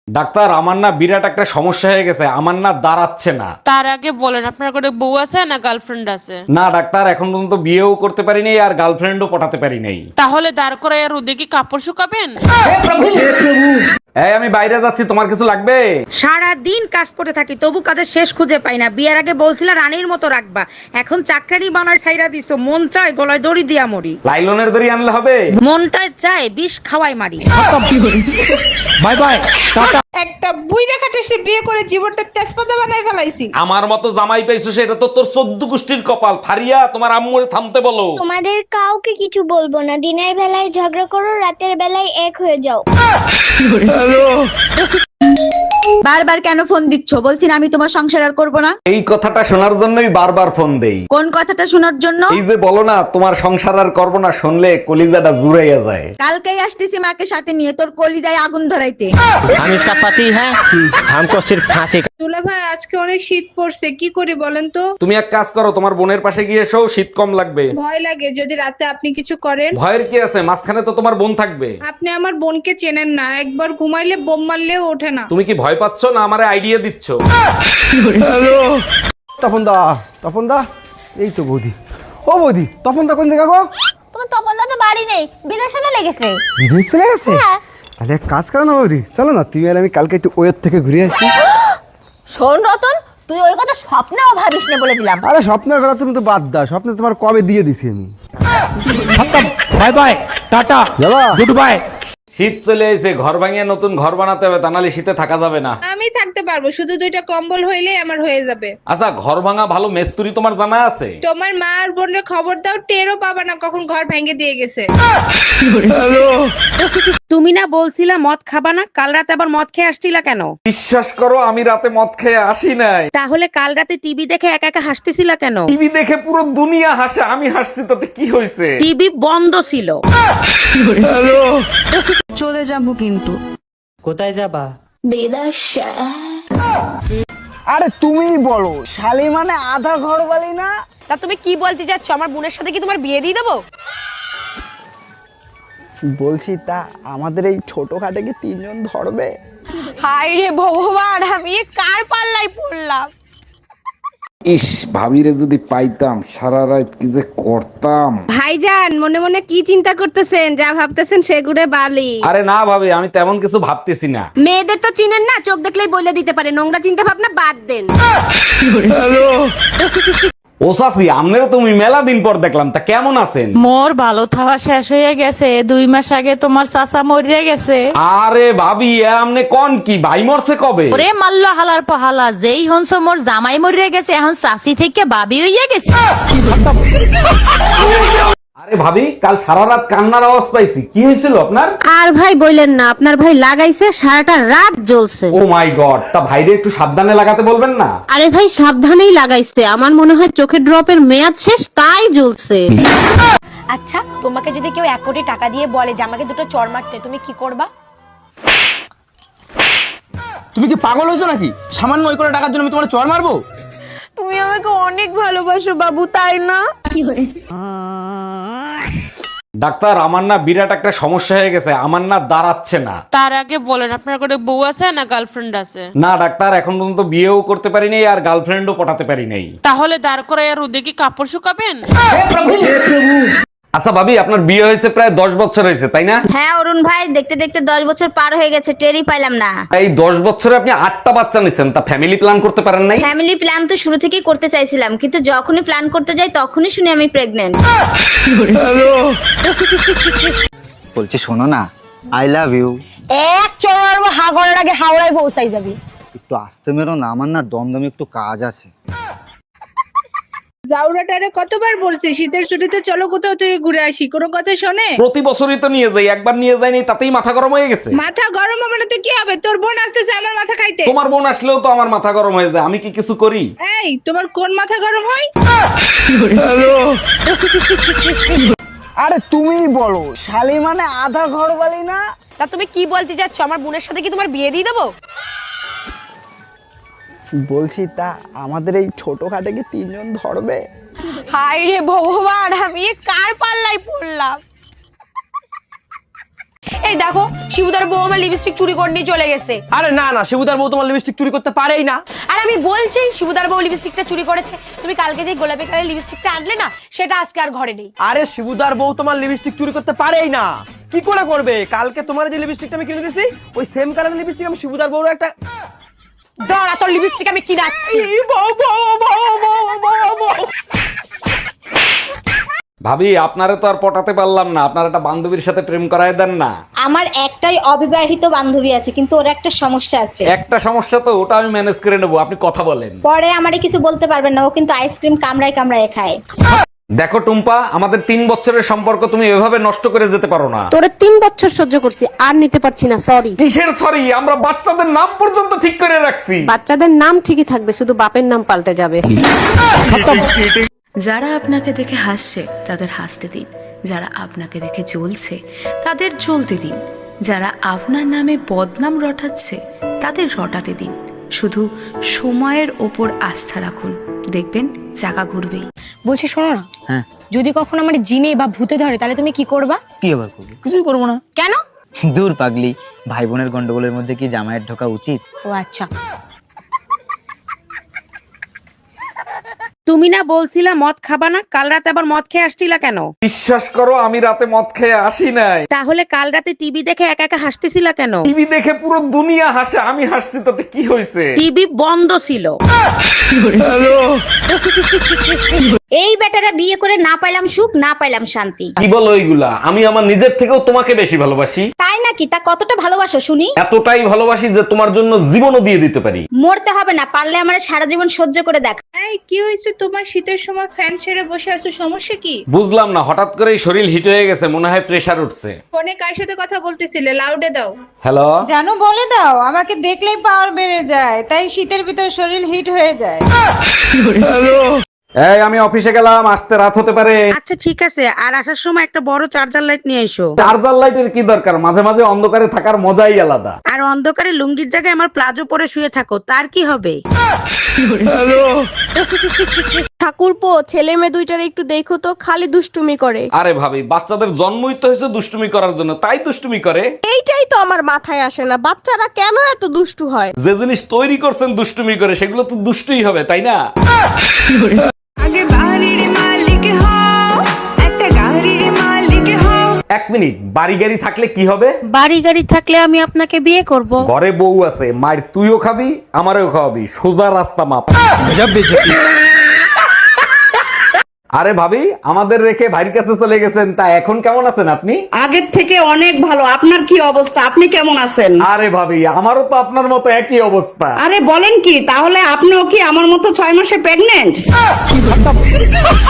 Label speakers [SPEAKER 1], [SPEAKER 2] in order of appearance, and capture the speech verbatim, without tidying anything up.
[SPEAKER 1] Doctor, আমার না বিরাট একটা সমস্যা হয়ে গেছে, আমার না দাঁড়াচ্ছে না।
[SPEAKER 2] তার আগে বলেন আপনার কোনো বউ আছে না গার্লফ্রেন্ড আছে?
[SPEAKER 1] না ডাক্তার, এখন পর্যন্ত বিয়েও করতে পারি নাই আর গার্লফ্রেন্ডও পটাতে পারি নাই।
[SPEAKER 2] তাহলে দাঁড় করে আর রোদে কি কাপড় শুকাবেন?
[SPEAKER 1] এই আমি বাইরে যাচ্ছি, তোমার কিছু লাগবে?
[SPEAKER 3] সারা দিন কাজ করে থাকি তবু কাজের শেষ খুঁজে পাই না। বিয়ের আগে বলছিলা রানীর মতো রাখবা, এখন চাকরানি বানায় ছাইরা দিছো। মন চায় গলায় দড়ি দিয়া মরি,
[SPEAKER 1] লাইলনের দড়ি আনলে হবে?
[SPEAKER 3] মনটায় চায় বিষ খাওয়াই মারি।
[SPEAKER 1] Bye bye, tata.
[SPEAKER 4] একটা বুইড়া খাটে সে বিয়ে করে জীবনটা তেজপাতা বানায় ফেলাইছি।
[SPEAKER 1] আমার মতো জামাই পাইছো সেটা তো তোর চোদ্দ গোষ্ঠীর কপাল। ফারিয়া, তোমার আম্মুরে থামতে বলো।
[SPEAKER 5] তোমাদের কাউকে কিছু বলবো না, দিনের বেলায় ঝগড়া করো, রাতের বেলায় এক হয়ে যাও।
[SPEAKER 6] বারবার কেন ফোন দিচ্ছ? বলছি না আমি তোমার সংসার আর করবো না।
[SPEAKER 1] এই কথাটা শোনার জন্যই বারবার ফোন দেই।
[SPEAKER 6] কোন কথাটা শোনার জন্য?
[SPEAKER 1] এই যে বলো না তোমার সংসার আর করবো না, শুনলে কলিজাটা জুড়াইয়া যায়।
[SPEAKER 6] কালকেই আসতেছি মাকে সাথে নিয়ে তোর কলিজায় আগুন ধরাইতে।
[SPEAKER 7] हम इसका पति है, हमको सिर्फ फांसी का।
[SPEAKER 4] দুলা ভাই আজকে অনেক শীত পড়ছে, কি করি বলেন তো?
[SPEAKER 1] তুমি এক কাজ করো, তোমার বোনের পাশে গিয়ে এসো, শীত কম লাগবে।
[SPEAKER 4] ভয় লাগে যদি রাতে আপনি কিছু করেন।
[SPEAKER 1] ভয়ের কি আছে, মাঝখানে তো তোমার বোন থাকবে।
[SPEAKER 4] আপনি আমার বোনকে চেনেন না, একবার ঘুমাইলে বোম মারলেও ওঠে না।
[SPEAKER 1] তুমি কি ভয় পাচ্ছ না আমারে আইডিয়া দিচ্ছ?
[SPEAKER 8] তপন দা, তপন দা, এই তো বৌদি। ও বৌদি, তপন দা কোন জায়গা গো?
[SPEAKER 5] তোমার তপনদা তো বাড়ি নেই, বিদেশে চলে গেছে।
[SPEAKER 8] বিদেশ চলে গেছে? তাহলে এক কাজ করো না বৌদি, চলো না তুমি আর আমি কালকে একটু ওয়ের থেকে ঘুরে আসি।
[SPEAKER 5] শোন রতন, তুই ওই কথা স্বপ্নেও ভাবিস না বলে দিলাম।
[SPEAKER 8] আরে স্বপ্নের কথা তুমি তো বাদ দাও, স্বপ্নে তোমার কবে দিয়ে দিছি আমি।
[SPEAKER 7] बाय बाय, टाटा,
[SPEAKER 8] যাবা?
[SPEAKER 7] Goodbye.
[SPEAKER 1] শীত চলে এসে, ঘর ভাঙিয়ে নতুন ঘর বানাতে হবে, তা নাহলে শীতে থাকা যাবে না।
[SPEAKER 4] আমি থাকতে পারবো, শুধু দুইটা কম্বল হইলেই আমার হয়ে যাবে।
[SPEAKER 1] আচ্ছা, ঘর ভাঙা ভালো মেস্তুরি তোমার জানা আছে?
[SPEAKER 4] তোমার মা আর বোনের খবর দাও, টেরও পাবা না কখন ঘর ভেঙে দিয়ে গেছে।
[SPEAKER 3] তুমি না বলছিলা মদ খাবা না, কাল রাতে আবার মদ খেয়ে আসছিলা কেন?
[SPEAKER 1] বিশ্বাস করো আমি রাতে মদ খেয়ে আসি নাই।
[SPEAKER 3] তাহলে কাল রাতে টিভি দেখে একা একা হাসতেছিলা কেন?
[SPEAKER 1] টিভি দেখে পুরো দুনিয়া হাসে, আমি হাসছি তাতে কি হয়েছে?
[SPEAKER 3] টিভি বন্ধ ছিল।
[SPEAKER 6] চলে যাবো কিন্তু।
[SPEAKER 7] কোথায় যাবা?
[SPEAKER 8] আরে তুমিই বলো, শালি মানে আধা ঘর বালি না?
[SPEAKER 2] তা তুমি কি বলতে যাচ্ছ? আমার বোনের সাথে কি তোমার বিয়ে দিয়ে দেবো?
[SPEAKER 8] বলছি তা আমাদের এই ছোট খাটে কি তিনজন ধরবে?
[SPEAKER 2] হায় রে ভগবান, আমি এ কার পাল্লাই পড়লাম?
[SPEAKER 1] ইস, ভাবিরে যদি পাইতাম, সারা রাত কি যে করতাম।
[SPEAKER 3] ভাইজান মনে মনে কি চিন্তা করতেছেন? যা ভাবতেছেন সেগুড়ে বালি।
[SPEAKER 1] আরে না ভাবি, আমি তেমন কিছু ভাবতেছি না।
[SPEAKER 3] মেয়েদের তো চিনেন না, চোখ দেখলেই বলে দিতে পারে। নোংরা চিন্তা ভাবনা বাদ দেন।
[SPEAKER 1] ও সাফি, আমনেরও তুমি মেলা দিন পর দেখলাম, তা কেমন আছেন?
[SPEAKER 2] মোর ভালো থাওয়া শেষ হয়ে গেছে, দুই মাস আগে তোমার চাচা মরিয়া গেছে।
[SPEAKER 1] আরে ভাবি, এ আমনে কোন কি ভাই মরছে কবে?
[SPEAKER 2] ওরে মাল্ল হালার পহালা, যেই হনস মোর জামাই মরিয়া গেছে, এখন চাচি থেকে বাবি হইয়া গেছে।
[SPEAKER 1] আরে ভাবি, কাল সারা রাত কান্নার আওয়াজ পাইছি, কি হয়েছিল আপনার?
[SPEAKER 3] আর ভাই বললেন না, আপনার ভাই লাগাইছে সারাটা রাত জ্বলছে।
[SPEAKER 1] ও মাই গড, তা ভাইরে একটু সাবধানে লাগাতে বলবেন না?
[SPEAKER 3] আরে ভাই সাবধানেই লাগাইছে, আমার মনে হয় চোখের ড্রপের মেয়াদ শেষ, তাই জ্বলছে।
[SPEAKER 5] আচ্ছা, তোমাকে যদি কেউ এক কোটি টাকা দিয়ে বলে যে আমাকে দুটো চড় মারতে, তুমি কি করবা?
[SPEAKER 8] তুমি কি পাগল হয়েছো নাকি? সামান্য ওই করে টাকার জন্য আমি তোমার চড় মারবো?
[SPEAKER 2] তুমি আমাকে অনেক ভালোবাসো বাবু, তাই না?
[SPEAKER 1] ডাক্তার, আমার না বিরাট একটা সমস্যা হয়ে গেছে, আমার না দাঁড়াচ্ছে না।
[SPEAKER 2] তার আগে বলেন আপনার কোনো বউ আছে না গার্লফ্রেন্ড আছে?
[SPEAKER 1] না ডাক্তার, এখন পর্যন্ত বিয়েও করতে পারি নাই আর গার্লফ্রেন্ডও পটাতে পারি নাই।
[SPEAKER 2] তাহলে দাঁড় করে আর রোদে কি কাপড় শুকাবেন?
[SPEAKER 1] আচ্ছা ভাবি, আপনার বিয়ে হয়েছে প্রায় দশ বছর হয়েছে তাই না?
[SPEAKER 6] হ্যাঁ অরুণ ভাই, দেখতে দেখতে দশ বছর পার হয়ে গেছে, টেরই পাইলাম না।
[SPEAKER 1] এই দশ বছরে আপনি আটটা বাচ্চা নিচ্ছেন, তা ফ্যামিলি প্ল্যান করতে পারেন নাই?
[SPEAKER 6] ফ্যামিলি প্ল্যান তো শুরু থেকেই করতে চাইছিলাম, কিন্তু যখনই প্ল্যান করতে যাই তখনই শুনি আমি প্রেগনেন্ট।
[SPEAKER 9] বলছি শোনো না, আই লাভ ইউ।
[SPEAKER 5] এক চড় মারবো, হা করার আগে হাওড়ায় পৌঁছাই যাবি।
[SPEAKER 9] একটু আসতে মেরো না, আমার না দমদমে একটু কাজ আছে।
[SPEAKER 4] জাউরাটারে কতবার বলছি শীতের ছুটিতে চলো কোথাও থেকে ঘুরে আসি, কোনো কথা শোনে?
[SPEAKER 1] প্রতি বছরই তো নিয়ে যাই, একবার নিয়ে যাইনি তাতেই মাথা গরম হয়ে গেছে।
[SPEAKER 4] মাথা গরম হবে না তো কি হবে? তোর বোন আসতেছে আমার মাথা খাইতে।
[SPEAKER 1] তোমার বোন আসলেও তো আমার মাথা গরম হয়ে যায়, আমি কি কিছু করি?
[SPEAKER 4] এই, তোমার কোন মাথা গরম হয়?
[SPEAKER 8] আরে তুমিই বলো, শালি মানে আধা ঘর বালি না?
[SPEAKER 2] তা তুমি কি বলতে যাচ্ছ? আমার বোনের সাথে কি তোমার বিয়ে দিয়ে দেবো?
[SPEAKER 8] বলছি তা আমাদের এই ছোট খাটে কি তিনজন ধরবে?
[SPEAKER 2] হায় রে ভগবান, আমি এ কার পাল্লাই পড়লাম?
[SPEAKER 5] এই দেখো শিবুদার বউ আমার লিপস্টিক চুরি করে নিয়ে চলে গেছে।
[SPEAKER 7] আরে না না, শিবুদার বউ তোমার লিপস্টিক চুরি করতে পারেই না।
[SPEAKER 5] আর আমি বলছি শিবুদার বউ লিপস্টিকটা চুরি করেছে। তুমি কালকে যে গোলাপি কালারের লিপস্টিকটা আনলে না, সেটা আজকে আর ঘরে নেই।
[SPEAKER 7] আরে শিবুদার বউ তোমার লিপস্টিক চুরি করতে পারেই না। কি করে করবে? কালকে তোমার যে লিপস্টিকটা আমি কিনে দিয়েছি, ওই সেম কালারের লিপস্টিক আমি শিবুদার বউর একটা
[SPEAKER 5] দাঁড়া, তোর লিপস্টিক আমি কিনাচ্ছি।
[SPEAKER 1] ভাবি আপনারে তো আর পটাতে পারলাম না, আপনার একটা বান্ধবীর সাথে প্রেম করায় দেন না।
[SPEAKER 6] আমার একটাই অবিবাহিত বান্ধবী আছে, কিন্তু ওর একটা সমস্যা আছে।
[SPEAKER 1] একটা সমস্যা তো, ওটা আমি ম্যানেজ করে নেবো, আপনি কথা বলেন।
[SPEAKER 6] পরে আমারে কিছু বলতে পারবেন না, ও কিন্তু আইসক্রিম কামড়ায় কামড়ায় খায়।
[SPEAKER 1] দেখো টুম্পা, আমাদের তিন বছরের সম্পর্ক তুমি এভাবে নষ্ট করে যেতে পারো না।
[SPEAKER 3] তোরে তিন বছর সহ্য করছি, আর নিতে পারছি না, সরি।
[SPEAKER 1] কিসের সরি? আমরা বাচ্চাদের নাম পর্যন্ত ঠিক করে রাখছি।
[SPEAKER 3] বাচ্চাদের নাম ঠিকই থাকবে, শুধু বাপের নাম পাল্টে যাবে।
[SPEAKER 10] যারা আপনাকে দেখে হাসছে তাদের হাসতে দিন, যারা আপনাকে দেখে জ্বলছে তাদের জ্বলতে দিন, যারা আপনার নামে বদনাম রটাচ্ছে তাদের রটাতে দিন। শুধু সময়ের ওপর আস্থা রাখুন, দেখবেন চাকা ঘুরবেই।
[SPEAKER 5] বলছি শোনো না,
[SPEAKER 9] হ্যাঁ
[SPEAKER 5] যদি কখনো আমার জিনে বা ভূতে ধরে তাহলে তুমি কি করবা?
[SPEAKER 9] কি আবার করবো? কিছুই করবো না।
[SPEAKER 5] কেন?
[SPEAKER 9] দূর পাগলি, ভাই বোনের গন্ডগোলের মধ্যে কি জামাইয়ের ঢোকা উচিত?
[SPEAKER 5] ও আচ্ছা।
[SPEAKER 3] তুমি না বলছিলা মদ খাবা না, কাল রাতে আবার মদ খেয়ে আসছিলা কেন?
[SPEAKER 1] বিশ্বাস করো, আমি রাতে মদ খেয়ে আসি নাই।
[SPEAKER 3] তাহলে কাল রাতে টিভি দেখে একা একা হাসতেছিলা কেন?
[SPEAKER 1] টিভি দেখে পুরো দুনিয়া হাসে, আমি হাসছি তাতে কি হয়েছে?
[SPEAKER 3] টিভি বন্ধ ছিল।
[SPEAKER 6] এই বেটারা বিয়ে করে না পাইলাম সুখ, না পাইলাম শান্তি।
[SPEAKER 1] কি বলো এইগুলা? আমি আমার নিজের থেকেও তোমাকে বেশি ভালোবাসি।
[SPEAKER 6] তাই নাকি? তা কতটা ভালোবাসো শুনি?
[SPEAKER 1] এতটাই ভালোবাসি যে তোমার জন্য জীবনও দিয়ে দিতে পারি।
[SPEAKER 6] মরতে হবে না, পারলে আমার সারা জীবন সহ্য করে দেখ।
[SPEAKER 4] এই কি হয়েছে তোমার? শীতের সময় ফ্যান ছেড়ে বসে আছো, সমস্যা কি?
[SPEAKER 1] বুঝলাম না, হঠাৎ করেই শরীর হিট হয়ে গেছে, মনে হয় প্রেসার উঠছে।
[SPEAKER 4] ফোনে কার সাথে কথা বলতেছিলে? লাউডে দাও।
[SPEAKER 1] হ্যালো,
[SPEAKER 3] জানো বলে দাও, আমাকে দেখলেই পাওয়ার বেড়ে যায়, তাই শীতের ভিতর শরীর হিট হয়ে যায়।
[SPEAKER 1] এই আমি অফিসে গেলাম, আসতে রাত হতে পারে।
[SPEAKER 3] আচ্ছা ঠিক আছে, আর আসার সময় একটা বড় চার্জার লাইট নিয়ে এসো।
[SPEAKER 1] চার্জার লাইটের কি দরকার? মাঝে মাঝে অন্ধকারে থাকার মজাই আলাদা।
[SPEAKER 3] আর অন্ধকারে লুঙ্গির জায়গায় আমার প্লাজো পরে শুয়ে থাকো, তার কি হবে? ঠাকুরপো, ছেলে মেয়ে দুইটার একটু দেখো তো, খালি দুষ্টুমি করে।
[SPEAKER 1] আরে ভাবি, বাচ্চাদের জন্মই তো হয়েছে দুষ্টুমি করার জন্য, তাই দুষ্টুমি করে।
[SPEAKER 3] এইটাই তো আমার মাথায় আসে না, বাচ্চারা কেন এত দুষ্টু হয়?
[SPEAKER 1] যে জিনিস তৈরি করছেন দুষ্টুমি করে, সেগুলো তো দুষ্টুই হবে, তাই না?
[SPEAKER 10] আগে বাড়ির মালিক হও, একটা গাড়ির মালিক হও।
[SPEAKER 1] এক মিনিট, বাড়ি গাড়ি থাকলে কি হবে?
[SPEAKER 3] বাড়ি গাড়ি থাকলে আমি আপনাকে বিয়ে করব।
[SPEAKER 1] ঘরে বউ আছে, মায়ের তুইও খাবি, আমারও খাওয়াবি, সোজা রাস্তা মাপ। আরে ভাবি, আমাদের রেখে ভাইয়ের কাছে চলে গেছেন, তা এখন কেমন আছেন আপনি?
[SPEAKER 3] আগের থেকে অনেক ভালো। আপনার কি অবস্থা? আপনি কেমন আছেন?
[SPEAKER 1] আরে ভাবি, আমারও তো আপনার মতো একই অবস্থা।
[SPEAKER 3] আরে বলেন কি, তাহলে আপনিও কি আমার মতো ছয় মাসে প্রেগনেন্ট?